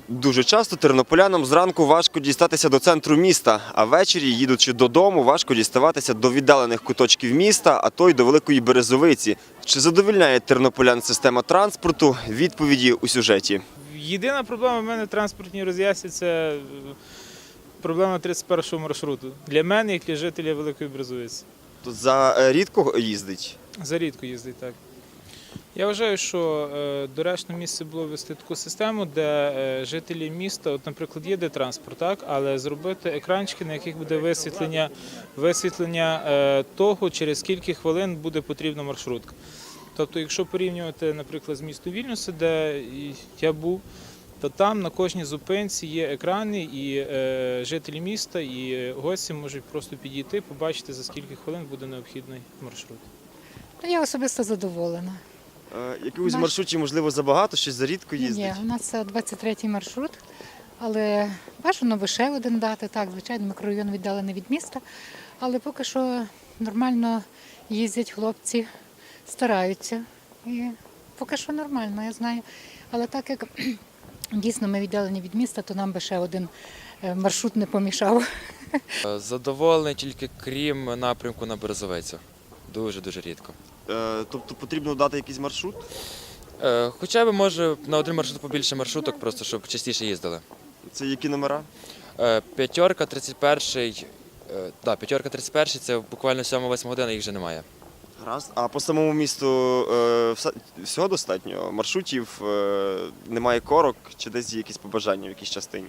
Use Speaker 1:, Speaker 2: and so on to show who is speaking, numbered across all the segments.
Speaker 1: Дуже часто тернополянам зранку важко дістатися до центру міста, а ввечері, їдучи додому, важко діставатися до віддалених куточків міста, а то й до Великої Березовиці. Чи задовольняє тернополян система транспорту? Відповіді у сюжеті.
Speaker 2: Єдина проблема в мене в транспортній роз'язці – це проблема 31-го маршруту. Для мене, як для жителя Великої Березовиці.
Speaker 1: Тут за рідко їздить?
Speaker 2: Зарідко їздить, так. Я вважаю, що доречно місце було ввести таку систему, де жителі міста, от, наприклад, їде транспорт, так, але зробити екранчики, на яких буде висвітлення того, через скільки хвилин буде потрібна маршрутка. Тобто, якщо порівнювати, наприклад, з містом Вільнюса, де я був, то там на кожній зупинці є екрани, і жителі міста, і гості можуть просто підійти, побачити, за скільки хвилин буде необхідний маршрут.
Speaker 3: Я особисто задоволена.
Speaker 1: Якихось маршрутів, можливо, забагато, щось зарідко їздить?
Speaker 3: Ні, у нас це 23-й маршрут, але бажано би ще один дати. Так, звичайно, мікрорайон віддалений від міста, але поки що нормально їздять хлопці, стараються. І поки що нормально, я знаю. Але так як дійсно ми віддалені від міста, то нам би ще один маршрут не помішав.
Speaker 4: Задоволений тільки крім напрямку на Березовицю. Дуже рідко.
Speaker 1: Тобто потрібно дати якийсь маршрут?
Speaker 4: Хоча б, може, на один маршрут побільше маршруток, просто щоб частіше їздили.
Speaker 1: Це які номера?
Speaker 4: П'ятерка, 31, п'ятерка, 31, це буквально 7-8 година, їх вже немає.
Speaker 1: Гаразд. А по самому місту всього достатньо? Маршрутів, немає корок, чи десь є якісь побажання в якійсь частині?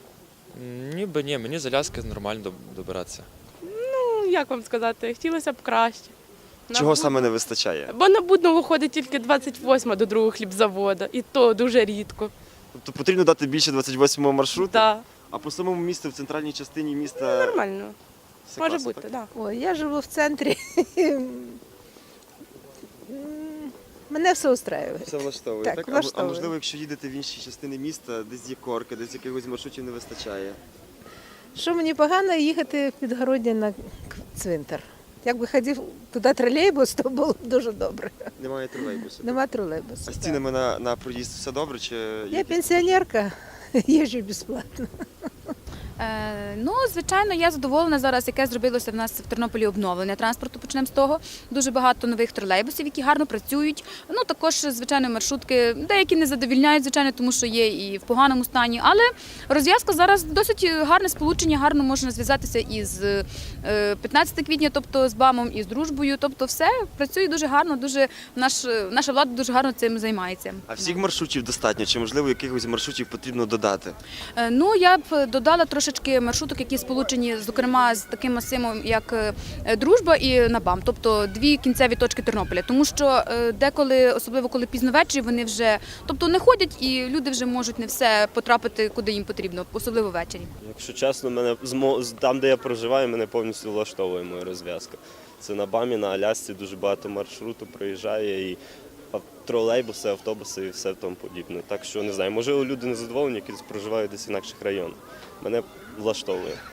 Speaker 4: Ніби ні, мені з Аляски нормально добиратися.
Speaker 5: Ну, як вам сказати, хотілося б краще.
Speaker 1: Чого саме не вистачає?
Speaker 5: Бо на Будного ходить тільки 28 до другого хлібзаводу, і то дуже рідко.
Speaker 1: Тобто потрібно дати більше 28-го маршруту?
Speaker 5: Так,
Speaker 1: А по самому місту, в центральній частині міста?
Speaker 5: нормально.
Speaker 1: все
Speaker 5: Може
Speaker 1: класно,
Speaker 5: бути,
Speaker 1: так?
Speaker 5: так.
Speaker 6: Ой, я живу в центрі. Мене все устраює.
Speaker 1: Все влаштовує,
Speaker 6: Так,
Speaker 1: так?
Speaker 6: влаштовує.
Speaker 1: А можливо, якщо їдете в інші частини міста, десь є корки, десь якихось маршрутів не вистачає?
Speaker 6: Що мені погано їхати в підгородня на цвинтар. Якби ходив туди тролейбус, то було б дуже добре.
Speaker 1: Немає тролейбусу?
Speaker 6: Нема тролейбусу.
Speaker 1: А з
Speaker 6: так.
Speaker 1: цінами на проїзд все добре? Чи
Speaker 6: Я пенсіонерка, їжджу безплатно.
Speaker 7: Ну, звичайно, я задоволена зараз, яке зробилося в нас в Тернополі обновлення транспорту. Почнемо з того. Дуже багато нових тролейбусів, які гарно працюють. Ну, також, звичайно, маршрутки, деякі не задовільняють, звичайно, тому що є і в поганому стані. Але розв'язка зараз досить гарне сполучення, гарно можна зв'язатися із 15 квітня, тобто з БАМом і з Дружбою. Тобто все працює дуже гарно, наша влада дуже гарно цим займається.
Speaker 1: А всіх маршрутів достатньо? Чи, можливо, якихось маршрутів потрібно додати?
Speaker 7: Ну, я б додала трошечки маршруток, які сполучені, зокрема, з таким масивом, як Дружба і НАБАМ, тобто дві кінцеві точки Тернополя. Тому що деколи, особливо коли пізно ввечері, вони вже, тобто не ходять і люди вже можуть не все потрапити, куди їм потрібно, особливо ввечері.
Speaker 8: Якщо чесно, там, де я проживаю, мене повністю влаштовує моя розв'язка. Це на БАМі, на Алясці дуже багато маршруту проїжджає, і тролейбуси, автобуси і все тому подібне. Так що, не знаю, можливо, люди не задоволені, які проживають десь в інакших районах. Мене влаштовує.